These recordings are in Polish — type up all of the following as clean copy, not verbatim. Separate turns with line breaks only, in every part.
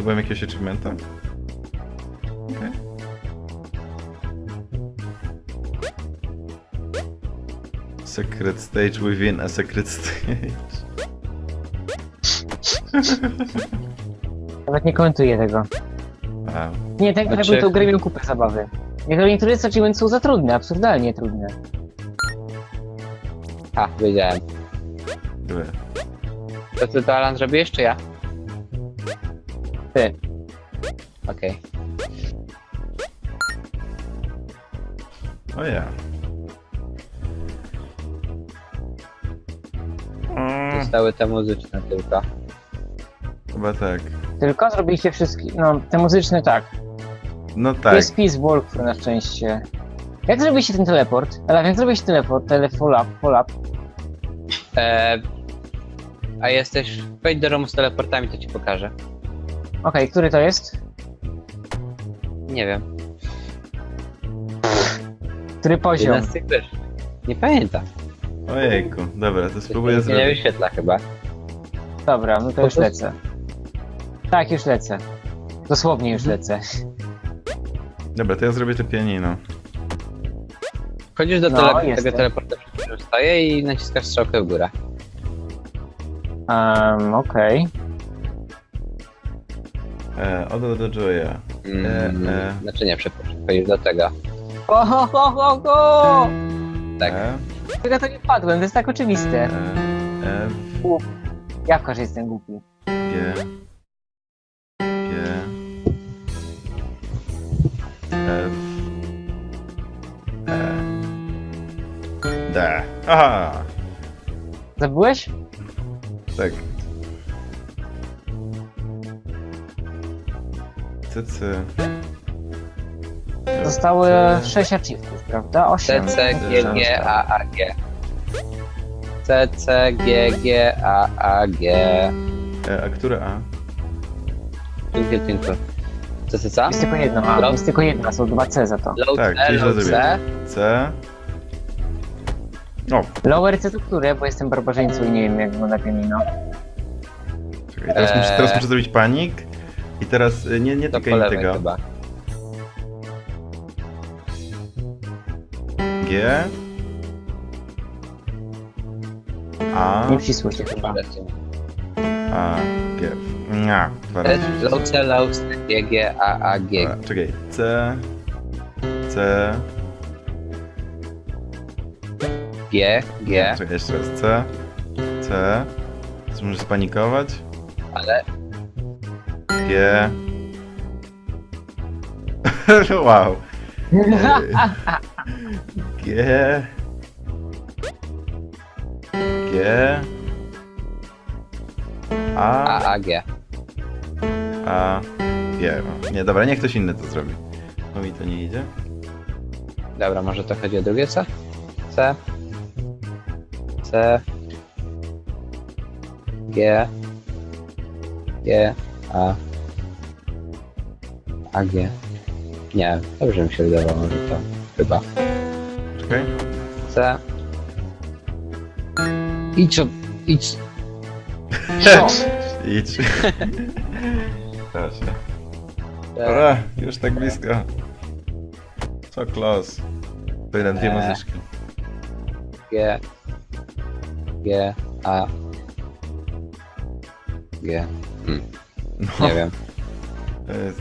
Zdobyłem jakiegoś achievementa? Okej. Secret stage within a secret stage.
Nawet nie komentuję tego.
Wow.
Nie, ten,
Znaczy-
jakby tą grę miał kupę zabawy. Niektóre achievements są za trudne, absurdalnie trudne.
A, wiedziałem.
Były.
To ty to Alan zrobiłeś, czy ja?
Ty.
Okej.
O ja.
Zostały te muzyczne tylko.
Chyba tak.
Tylko zrobiliście wszystkie, no te muzyczne tak.
No tak.
Jest Peace Walk na szczęście. Jak zrobiliście ten teleport? Ale jak zrobiłeś teleport, follow-up?
A jesteś... Wejdź do domu z teleportami, to ci pokażę.
Okej, który to jest?
Nie wiem.
Który poziom?
Jeden z tych też. Nie pamiętam.
Ojejku. Dobra, to spróbuję
Nie
zrobić.
wyświetla chyba.
Dobra, no to już
Po prostu-
lecę. Tak, już lecę. Dosłownie już lecę.
Dobra, to ja zrobię to pianino.
Wchodzisz do
No,
tego
jestem.
teleporta, przy którym stoję i naciskasz strzałkę w górę.
Okej.
Odo do Joya.
Znaczy nie, przepraszam. Wchodzisz do tego.
Ho!
Tak.
Ja to nie wpadłem, to jest tak oczywiste.
F,
Jawka, że jestem głupi.
G, G, F, E, D. Aha!
Zabyłeś?
Tak. CC.
Zostały 6 achievementów, prawda? 8.
C, C, G, G, A, A, G. C, C, G, G, A, A, G.
A które A?
Twinkle. Co, co, co?
Jest tylko jedno, a
Low-
jest tylko jedna, są 2 C za to.
Low
Tak,
C,
czyli źle
low C.
zrobiłem. C. O,
Lower C to które? Bo jestem barbarzyńcą i nie wiem jak wygląda pianino.
czekaj, teraz muszę zrobić panik. I teraz nie
To po
tykaj
lewej
tego.
chyba.
G. A.
Nie wcisło się chyba.
A. G. Nia, dwa razy.
Low C, G, G, A, A, G.
Dobra, czekaj. C. C.
G, G,
Czekaj, jeszcze raz. C. C. Teraz muszę spanikować.
ale
G. Wow. G. G.
A,
A.
A, G.
A. G. No. Nie, dobra, niech ktoś inny to zrobi. Bo mi to nie idzie.
Dobra, może to chodzi o drugie C? C. C. G. G. A. A, G. Nie, dobrze mi się wydawało, że to chyba.
Czekaj.
C. Idź, idź.
Idź. Proszę. Dobra, już tak blisko. So close. To jeden, dwie muzyczki.
G. G. A. G.
No,
Nie wiem.
to jest...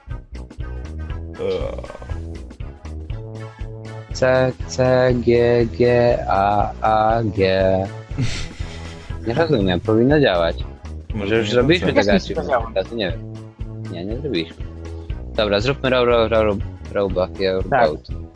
C, C, G, G, A, G. Nie rozumiem, powinno działać. Może już zrobiliśmy
Też
tego
mi się to
achievementa, to nie wiem. Nie, nie zrobiliśmy. Dobra, zróbmy robot,
Tak.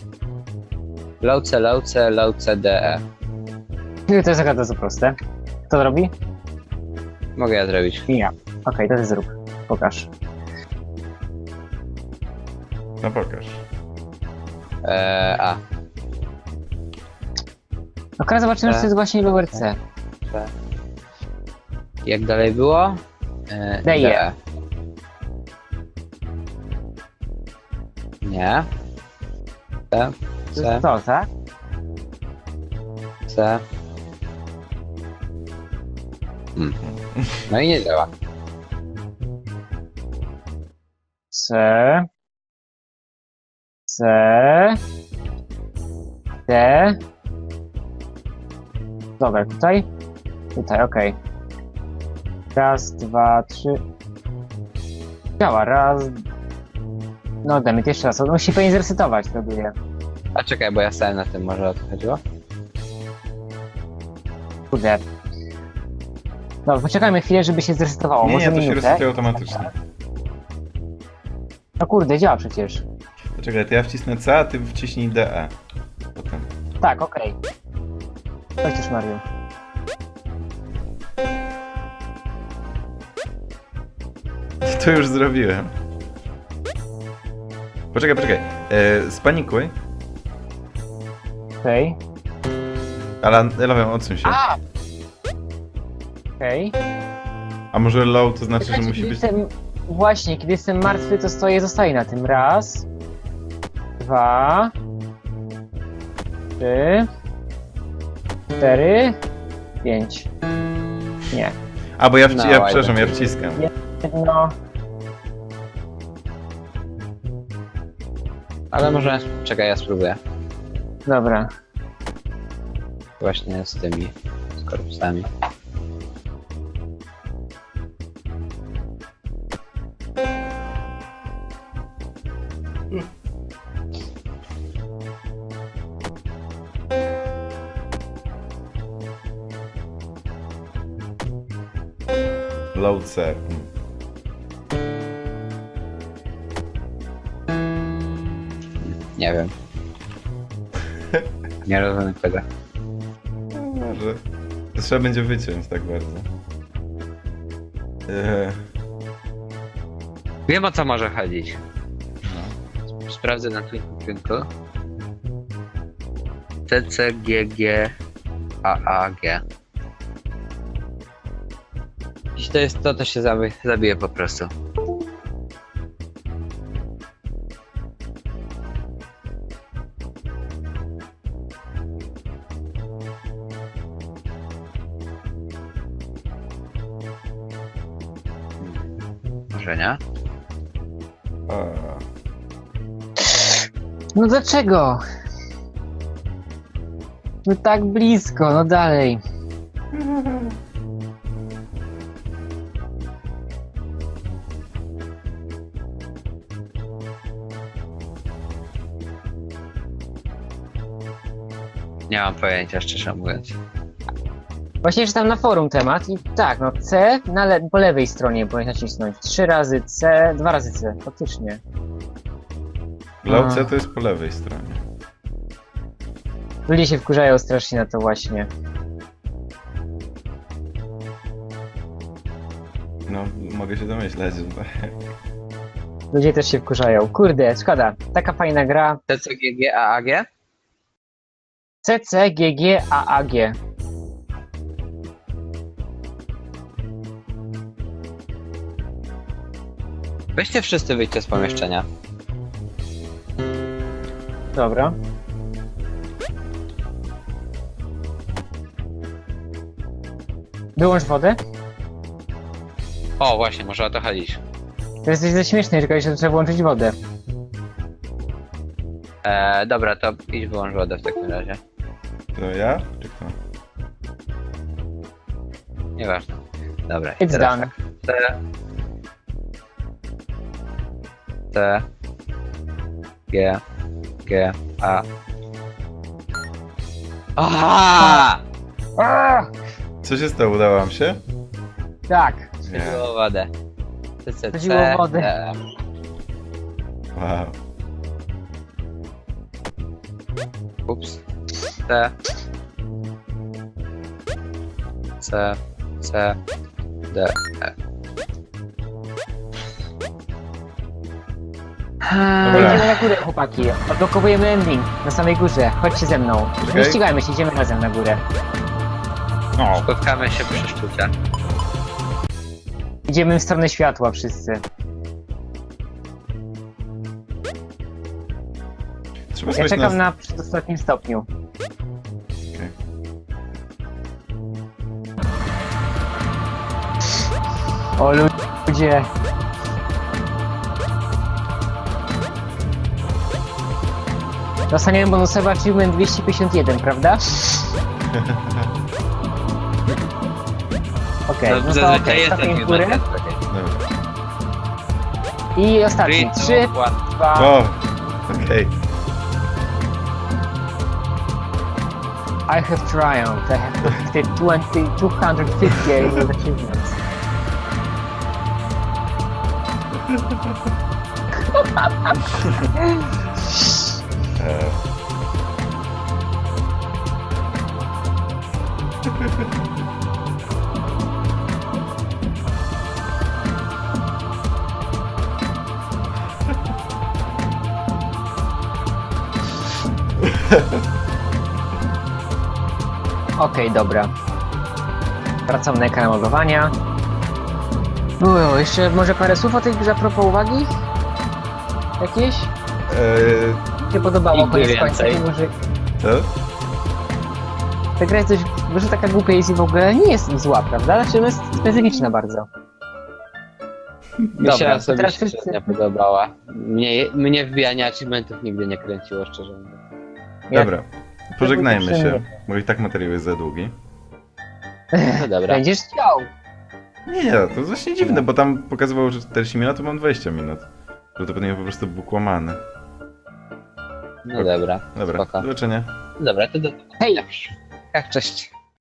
low C, D, E.
To jest za proste. Kto to robi?
Mogę ja zrobić.
Ja. Okej, to ty zrób. Pokaż.
No pokaż.
A.
Okej, zobaczymy, czy to jest właśnie lower C.
C. Jak dalej było?
D, E.
Nie. C,
To
C,
jest to, tak?
C. No i nie działa.
C. C. D. Dobra, tutaj? Tutaj, okej. Raz, dwa, trzy. Działa, raz. No, damy jeszcze raz. On musi pewnie zresetować, próbuję.
A czekaj, bo ja stałem na tym, może o to chodziło?
Kurde. No, poczekajmy chwilę, żeby się zresetowało.
Nie,
Może
to się
minutę.
resetuje automatycznie.
No kurde, działa przecież.
Poczekaj, to ja wcisnę C, a ty wciśnij DE. Potem.
Tak, okej. Chodź już, Mario.
To już zrobiłem. Poczekaj. Spanikuj.
Okej.
Ale Elewem, odsuń się.
Okej.
A może low to znaczy, że
Czekajcie,
musi
kiedy
być...
jestem... Właśnie, kiedy jestem martwy, to zostaję na tym. Raz. Dwa. Trzy. Cztery. Pięć. Nie.
A, bo ja,
No,
ja przepraszam, ja wciskam.
No.
Ale może... Czekaj, ja spróbuję.
Dobra.
Właśnie z tymi korpusami.
Low C.
Nie wiem. Nie rozumiem tego.
No, może. To trzeba będzie wyciąć tak bardzo.
Wiem, o co może chodzić. Sprawdzę na Twinkle. C, C, G, G, A, G. Jeśli to jest to, to się zabije po prostu. Może nie?
A,
No dlaczego? No tak blisko, no dalej.
Nie mam pojęcia, szczerze mówiąc.
Właśnie czytam na forum temat i tak, no C po lewej stronie powinien nacisnąć. 3 razy C, 2 razy C, faktycznie.
low C to jest po lewej stronie.
Ludzie się wkurzają strasznie na to właśnie.
No, mogę się domyśleć, że tak.
Ludzie też się wkurzają. Kurde, szkoda. Taka fajna gra.
C, C, G, G, A, G?
CC, GG, AAG.
Weźcie wszyscy, wyjdźcie z pomieszczenia.
Dobra. Wyłącz wodę.
O, właśnie, może o to chodzić.
To jest ze śmieszne, tylko jeszcze trzeba włączyć wodę.
Dobra, to idź wyłącz wodę w takim razie.
To ja? Czy kto?
Nieważne. Dobra, i
It's
teraz
done.
tak. C, G, G, A. Aha!
Co się stało? Udało wam się?
Tak.
Nie.
Chodziło o wodę. C, C,
Chodziło o wodę.
D.
Wow.
Ups. C. C, C, D, E.
Dobra.
Idziemy na górę, chłopaki. Odblokowujemy ending na samej górze. Chodźcie ze mną. Nie
Okej.
ścigajmy się, idziemy razem na górę.
No.
Spotkamy się przy sztuce.
Idziemy w stronę światła wszyscy.
Trzeba
Ja
słuchać
czekam
nas...
na przedostatnim stopniu.
Okej.
O ludzie. Dostaniemy bonusowy achievement 251, prawda? Okej, no to
Zazwyczaj
okej,
jest
stopień
taki
góry.
moment.
Dobra.
I ostatni. 3, 2...
O! Okej.
I have triumphed. I have completed 258 achievements. Okej, dobra. Wracam na ekran logowania. Jeszcze może parę słów o tej grze a propos uwagi? Jakieś? Się podobało
Nigdy
koniec końca,
więcej.
mimo że
Co?
ta gra jest dość, że taka głupia jest i w ogóle nie jest zła, prawda? Znaczy ona jest specyficzna bardzo.
Mi się
Dobra,
osobiście
teraz wszyscy-
nie podobała. Mnie wbijanie achievementów nigdy nie kręciło, szczerze mówiąc.
Dobra. Pożegnajmy się,
przyjemnie.
bo i tak materiał jest za długi.
No dobra.
Będziesz chciał.
Nie, to jest właśnie dziwne, bo tam pokazywało, że 40 minut, to mam 20 minut. Prawdopodobnie po prostu był kłamany.
No dobra.
Dobra,
Spoko.
do zobaczenia.
Dobra, to do...
Hej!
Tak, cześć.